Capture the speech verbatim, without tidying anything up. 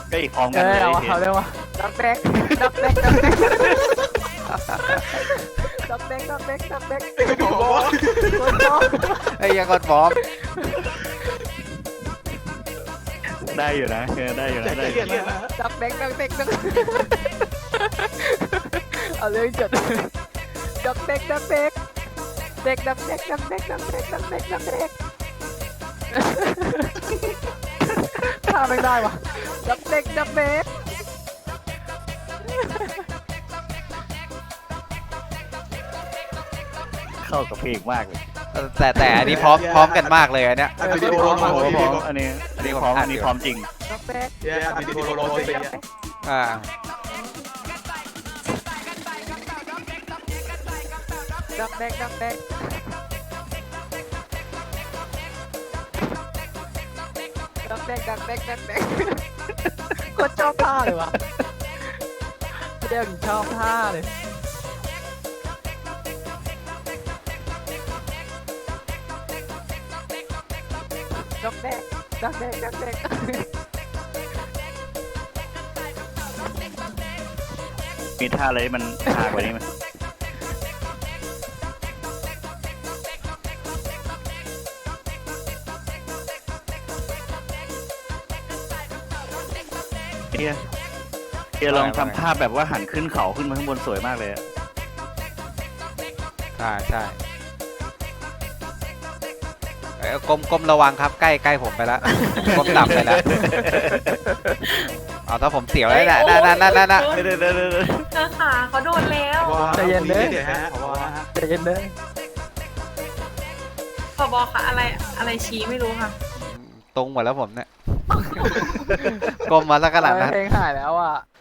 ก็อีกพร้อมเอกันอเลยเอาเอาเร็ววะดักแดกดักแดกดักแดกดักแดกดักแดกดักแดกบอกว่าคนชอบไอ้ยังกดบล็อกได้อยู่นะเออได้อยู่นะได้อยู่นะดักแดกดักแดกดักเอาเรื่องจัดดักแดกดักแดกเด็กดักแดกดักแดกดักแดกดักแดกดักแดกท่าไม่ได้วะดักแดกดักแดกเข้ากับเพลงมากเลยแต่แต่อันนี้พร้อมพร้อมกันมากเลยอันเนี้ยอัดวิดีโอพร้อมมาพร้อมวิพดีร้อโอมอันนี้อันนี้พร้อมอันนี้พร้อมจริงดักแดกเย้อัดวิดีโอรอสิอ่าดักแดกดักแดกดักแดกดักแดกดักแดกก็ชอบท่าเลยวะเดี๋ยวชอบท่าเลยดักแดกดักแดกดักแดกมีท่าอะไรที่มันหากว่านี้ไหมเฮียเฮียลองทำภาพแบบว่าหันขึ้นเขาขึ้นมาข้างบนสวยมากเลยอะใช่ใช่เอ้ยก้มก้มระวังครับใกล้ใกล้ผมไปแล้วก้มต่ำไปแล้วเอาถ้าผมเสียวแล้วนะนั่นนั่นนั่นนั่นเดี๋ยวเดี๋ยวเดี๋ยวเดี๋ยวเจอขาเขาโดนแล้วใจเย็นเด้อเดี๋ยวฮะขอบอกนะฮะใจเย็นเด้อผบค่ะอะไรอะไรชี้ไม่รู้ค่ะตรงหมดแล้วผมเนี่ยก้มมาสักขนาดนั้นเพลงหายแล้วอ่ะ